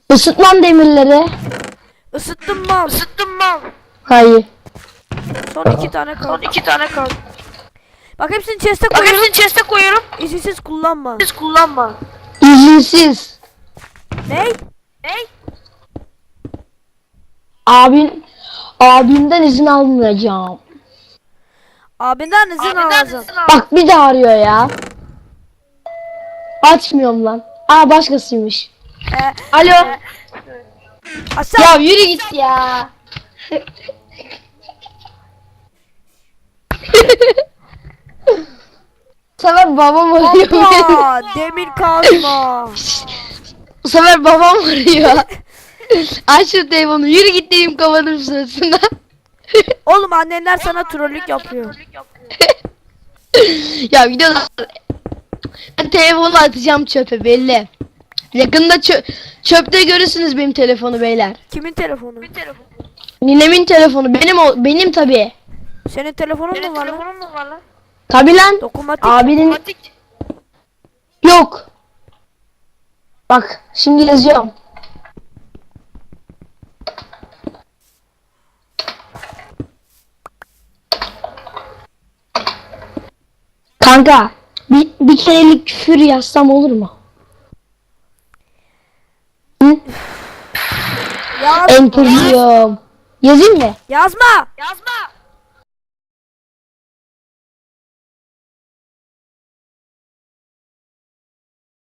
Isıtmam demirleri. Isıttım mal. Hayır. Son 2 tane kaldı. Bak hepsini chest'e koyuyorum. İzinsiz kullanma. İzinsiz. Ne? Abimden izin almayacağım. Abinden izin alacağım. Bak bir de arıyor ya. Açmıyorum lan. Aa başkasıymış. Alo. Aşağı. Ya yürü git ya. Bu sefer babam arıyor beni. Hoppa. Demir kazma. Bu sefer babam arıyor. Aç şu telefonu. Yürü git dedim kafanın sırasında. Oğlum annenler sana trollük yapıyor. Ya videoda ben telefonu atacağım çöpe belli. Yakında çöpte görürsünüz benim telefonu beyler. Kimin telefonu? Ninemin telefonu benim tabii. Senin telefonun mu var lan? Tabii lan. Dokunmatik. Abinin yok. Bak şimdi yazıyorum. Kanka bir kerelik küfür yazsam olur mu? Hı? Yaz. Enter diyorum. Yazayım mı? Yazma.